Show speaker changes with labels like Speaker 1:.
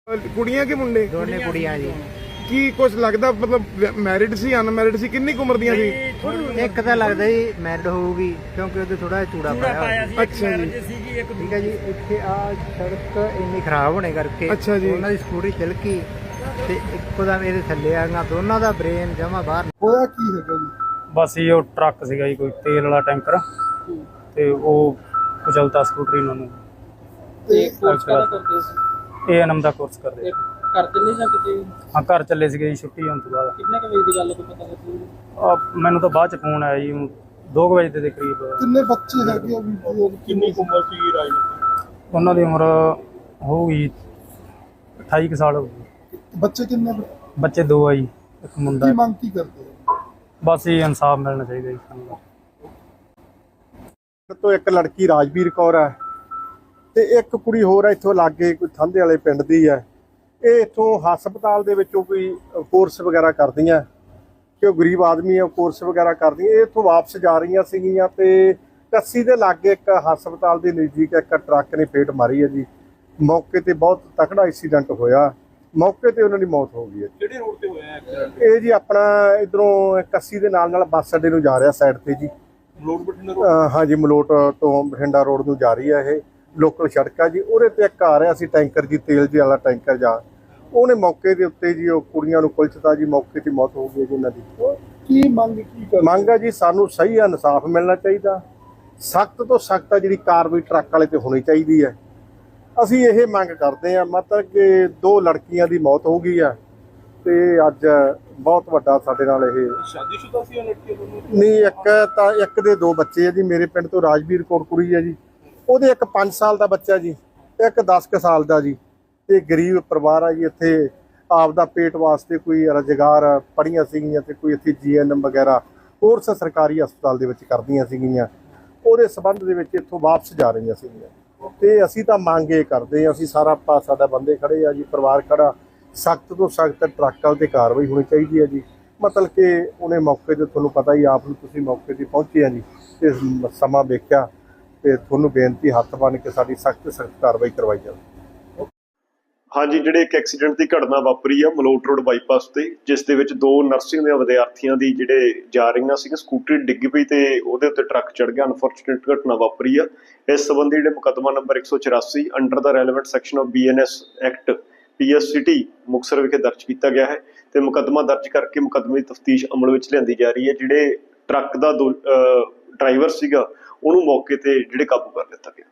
Speaker 1: ਕੁੜੀਆਂ ਕਿ ਮੁੰਡੇ?
Speaker 2: ਦੋਨੇ ਕੁੜੀਆਂ ਜੀ।
Speaker 1: ਕੀ ਕੁਝ ਲੱਗਦਾ ਮਤਲਬ ਮੈਰਿਡ ਸੀ ਅਨਮੈਰਿਡ ਸੀ? ਕਿੰਨੀ ਕੁ ਉਮਰ ਦੀਆਂ ਸੀ?
Speaker 2: ਇੱਕ ਤਾਂ ਲੱਗਦਾ ਜੀ ਮੈਰਿਡ ਹੋਊਗੀ ਕਿਉਂਕਿ ਉਹਦੇ ਥੋੜਾ ਚੂੜਾ ਪਾਇਆ ਸੀ।
Speaker 1: ਅੱਛਾ ਜੀ,
Speaker 2: ਠੀਕ ਹੈ ਜੀ। ਇੱਥੇ ਆ ਸੜਕ ਇੰਨੀ ਖਰਾਬ ਹੋਣੇ ਕਰਕੇ
Speaker 1: ਅੱਛਾ ਜੀ,
Speaker 2: ਉਹਨਾਂ ਦੀ ਸਕੂਟਰੀ ਤਿਲਕੀ ਤੇ ਇੱਕੋ ਦਾ ਮੇਰੇ ਥੱਲੇ ਆ ਗਿਆ, ਦੋਨਾਂ ਦਾ ਬ੍ਰੇਨ ਜਮਾ ਬਾਹਰ।
Speaker 1: ਹੋਇਆ ਕੀ ਹੈਗਾ ਜੀ?
Speaker 3: ਬਸ ਇਹ ਉਹ ਟਰੱਕ ਸੀਗਾ ਜੀ, ਕੋਈ ਤੇਲ ਵਾਲਾ ਟੈਂਕਰ, ਤੇ ਉਹ ਕੁਚਲਤਾ ਸਕੂਟਰੀ ਨੂੰ।
Speaker 4: ਤੇ ਕੋਰਸ ਕਾਹਦਾ ਕਰਦੇ ਸੀ?
Speaker 3: A&M ਦਾ ਕੋਰਸ ਕਰਦੇ।
Speaker 4: ਘਰ ਚੱਲੇ ਜਾਂ ਕਿਤੇ?
Speaker 3: ਹਾਂ, ਘਰ ਚੱਲੇ ਸੀਗੇ ਜੀ ਛੁੱਟੀ ਹੋਣ ਤੋਂ ਬਾਅਦ।
Speaker 4: ਕਿੰਨੇ ਕੁ ਵਜੇ ਦੀ ਗੱਲ ਕੋਈ ਪਤਾ ਲੱਗਿਆ?
Speaker 3: ਮੈਨੂੰ ਤਾਂ ਬਾਅਦ ਚ ਫੋਨ ਆਇਆ ਜੀ 2 ਵਜੇ ਦੇ ਕਰੀਬ।
Speaker 1: ਕਿੰਨੇ ਬੱਚੇ ਹੈਗੇ ਆ?
Speaker 4: ਕਿੰਨੀ ਉਮਰ ਸੀ ਰਾਜ?
Speaker 3: ਉਹਨਾਂ ਦੀ ਉਮਰ ਹੋਊਗੀ 28 ਕੁ ਸਾਲ ਹੋਊਗੀ।
Speaker 1: ਬੱਚੇ ਕਿੰਨੇ?
Speaker 3: ਬੱਚੇ 2 ਆ ਜੀ, ਇੱਕ ਮੁੰਡਾ।
Speaker 1: ਕੀ ਮੰਗ ਕੀ ਕਰਦੇ ਹੋ?
Speaker 3: ਬਸ ਇਹ ਇਨਸਾਫ ਮਿਲਣਾ ਚਾਹੀਦਾ ਜੀ ਸਾਨੂੰ।
Speaker 5: ਤੋਂ ਇੱਕ ਲੜਕੀ ਰਾਜਵੀਰ ਕੌਰ ਹੈ ਤੇ ਇੱਕ ਕੁੜੀ ਹੋਰ ਹੈ ਇੱਥੋਂ ਲਾਗੇ, ਕੋਈ ਥਾਂਦੇ ਵਾਲੇ ਪਿੰਡ ਦੀ ਹੈ। ਇਹ ਇੱਥੋਂ ਹਸਪਤਾਲ ਦੇ ਵਿੱਚੋਂ ਕੋਈ ਕੋਰਸ ਵਗੈਰਾ ਕਰਦੀਆਂ, ਕਿ ਉਹ ਗਰੀਬ ਆਦਮੀ ਹੈ, ਉਹ ਕੋਰਸ ਵਗੈਰਾ ਕਰਦੀਆਂ। ਇਹ ਇੱਥੋਂ ਵਾਪਸ ਜਾ ਰਹੀਆਂ ਸੀਗੀਆਂ ਤੇ ਕੱਸੀ ਦੇ ਲਾਗੇ ਇੱਕ ਹਸਪਤਾਲ ਦੇ ਨਜ਼ਦੀਕ ਇੱਕ ਟਰੱਕ ਨੇ ਫੇਟ ਮਾਰੀ ਹੈ ਜੀ। ਮੌਕੇ ਤੇ ਬਹੁਤ ਤਕੜਾ ਐਕਸੀਡੈਂਟ ਹੋਇਆ, ਮੌਕੇ ਤੇ ਉਹਨਾਂ ਦੀ ਮੌਤ ਹੋ ਗਈ ਹੈ।
Speaker 4: ਕਿਹੜੇ ਰੋਡ ਤੇ ਹੋਇਆ ਐਕਸੀਡੈਂਟ?
Speaker 5: ਇਹ ਜੀ ਆਪਣਾ ਇਧਰੋਂ ਕੱਸੀ ਦੇ ਨਾਲ ਬੱਸ ਅੱਡੇ ਨੂੰ ਜਾ ਰਿਹਾ ਸਾਈਡ ਤੇ ਜੀ।
Speaker 4: ਮਲੋਟ ਬਠਿੰਡਾ ਰੋਡ?
Speaker 5: ਹਾਂਜੀ, ਮਲੋਟ ਤੋਂ ਬਠਿੰਡਾ ਰੋਡ ਨੂੰ ਜਾ ਰਹੀ ਹੈ। ਇਹ ਲੋਕਲ ਸੜਕ ਆ ਜੀ। ਉਹਦੇ ਤੇ ਇੱਕ ਆ ਰਿਹਾ ਸੀ ਟੈਂਕਰ ਜੀ, ਤੇਲ ਜੀ ਵਾਲਾ ਟੈਂਕਰ ਜਾ, ਉਹਨੇ ਮੌਕੇ ਦੇ ਉੱਤੇ ਜੀ ਉਹ ਕੁੜੀਆਂ ਨੂੰ ਕੁਲਚਤਾ ਜੀ, ਮੌਕੇ ਤੇ ਮੌਤ ਹੋ ਗਈ ਜੀ ਇਹਨਾਂ ਦੀ।
Speaker 1: ਕੀ ਮੰਗ
Speaker 5: ਆ ਜੀ, ਸਾਨੂੰ ਸਹੀ ਇਨਸਾਫ ਮਿਲਣਾ ਚਾਹੀਦਾ, ਸਖਤ ਤੋਂ ਸਖਤ ਜਿਹੜੀ ਕਾਰਵਾਈ ਟਰੱਕ ਵਾਲੇ ਤੇ ਹੋਣੀ ਚਾਹੀਦੀ ਹੈ। ਅਸੀਂ ਇਹ ਮੰਗ ਕਰਦੇ ਹਾਂ, ਮਤਲਬ ਕਿ 2 ਲੜਕੀਆਂ ਦੀ ਮੌਤ ਹੋ ਗਈ ਆ ਤੇ ਅੱਜ ਬਹੁਤ ਵੱਡਾ ਸਾਡੇ ਨਾਲ ਇਹ।
Speaker 4: ਸ਼ਾਦੀशुदा ਸੀ ਲੜਕੀ ਦੋਨੋਂ?
Speaker 5: ਨਹੀਂ, ਇੱਕ ਦੇ 2 ਬੱਚੇ ਆ ਜੀ। ਮੇਰੇ ਪਿੰਡ ਤੋਂ ਰਾਜਵੀਰ ਕੌਰ ਕੁੜੀ ਹੈ ਜੀ, ਉਹਦੇ ਇੱਕ 5 ਸਾਲ ਦਾ ਬੱਚਾ ਜੀ, ਇੱਕ 10 ਕੁ ਸਾਲ ਦਾ ਜੀ। ਇਹ ਗਰੀਬ ਪਰਿਵਾਰ ਆ ਜੀ। ਇੱਥੇ ਆਪਦਾ ਪੇਟ ਵਾਸਤੇ ਕੋਈ ਰੁਜ਼ਗਾਰ ਪੜ੍ਹੀਆਂ ਸੀਗੀਆਂ ਤੇ ਕੋਈ ਇੱਥੇ GNM ਵਗੈਰਾ ਕੋਰਸ ਸਰਕਾਰੀ ਹਸਪਤਾਲ ਦੇ ਵਿੱਚ ਕਰਦੀਆਂ ਸੀਗੀਆਂ। ਉਹਦੇ ਸੰਬੰਧ ਦੇ ਵਿੱਚ ਇੱਥੋਂ ਵਾਪਸ ਜਾ ਰਹੀਆਂ ਸੀਗੀਆਂ ਤੇ ਅਸੀਂ ਤਾਂ ਮੰਗ ਇਹ ਕਰਦੇ ਹਾਂ, ਅਸੀਂ ਸਾਡਾ ਬੰਦੇ ਖੜੇ ਆ ਜੀ, ਪਰਿਵਾਰ ਖੜਾ, ਸਖਤ ਤੋਂ ਸਖਤ ਟਰੱਕ ਵਾਲੇ ਤੇ ਕਾਰਵਾਈ ਹੋਣੀ ਚਾਹੀਦੀ ਹੈ ਜੀ। ਮਤਲਬ ਕਿ ਉਹਨੇ ਮੌਕੇ ਤੇ, ਤੁਹਾਨੂੰ ਪਤਾ ਹੀ ਆਪ ਨੂੰ, ਤੁਸੀਂ ਮੌਕੇ ਤੇ ਪਹੁੰਚੇ ਆ ਜੀ ਤੇ ਸਮਾਂ ਵੇਖਿਆ ਤੇ ਤੁਹਾਨੂੰ ਬੇਨਤੀ ਹੱਥ ਬੰਨ੍ਹ ਕੇ ਸਾਡੀ ਸਖਤ ਕਾਰਵਾਈ ਕਰਵਾਈ ਜਾਵੇ।
Speaker 6: ਹਾਂਜੀ, ਜਿਹੜੇ ਇੱਕ ਐਕਸੀਡੈਂਟ ਦੀ ਘਟਨਾ ਵਾਪਰੀ ਆ ਮਲੋਟ ਰੋਡ ਬਾਈਪਾਸ ਤੇ, ਜਿਸ ਦੇ ਵਿੱਚ 2 ਨਰਸਿੰਗ ਦੇ ਵਿਦਿਆਰਥੀਆਂ ਦੀ ਜਿਹੜੇ ਜਾ ਰਹੀਆਂ ਸੀ, ਸਕੂਟਰੀ ਡਿੱਗ ਪਈ ਤੇ ਉਹਦੇ ਉੱਤੇ ਟਰੱਕ ਚੜ ਗਿਆ। ਅਨਫੋਰਚੂਨੇਟ ਘਟਨਾ ਵਾਪਰੀ ਆ। ਇਸ ਸੰਬੰਧੀ ਜਿਹੜੇ ਮੁਕੱਦਮਾ ਨੰਬਰ 184 ਅੰਡਰ ਦਾ relevant section of BNS act PSCT Muktsar ਵਿਖੇ ਦਰਜ ਕੀਤਾ ਗਿਆ ਹੈ ਤੇ ਮੁਕੱਦਮਾ ਦਰਜ ਕਰਕੇ ਮੁਕੱਦਮੇ ਦੀ ਤਫਤੀਸ਼ ਅਮਲ ਵਿੱਚ ਲਿਆਂਦੀ ਜਾ ਰਹੀ ਹੈ। ਜਿਹੜੇ ਟਰੱਕ ਦਾ ਡਰਾਈਵਰ ਸੀਗਾ ਉਹਨੂੰ ਮੌਕੇ ਤੇ ਜਿਹੜੇ ਕਾਬੂ ਕਰ ਲਿੱਤਾ ਗਿਆ।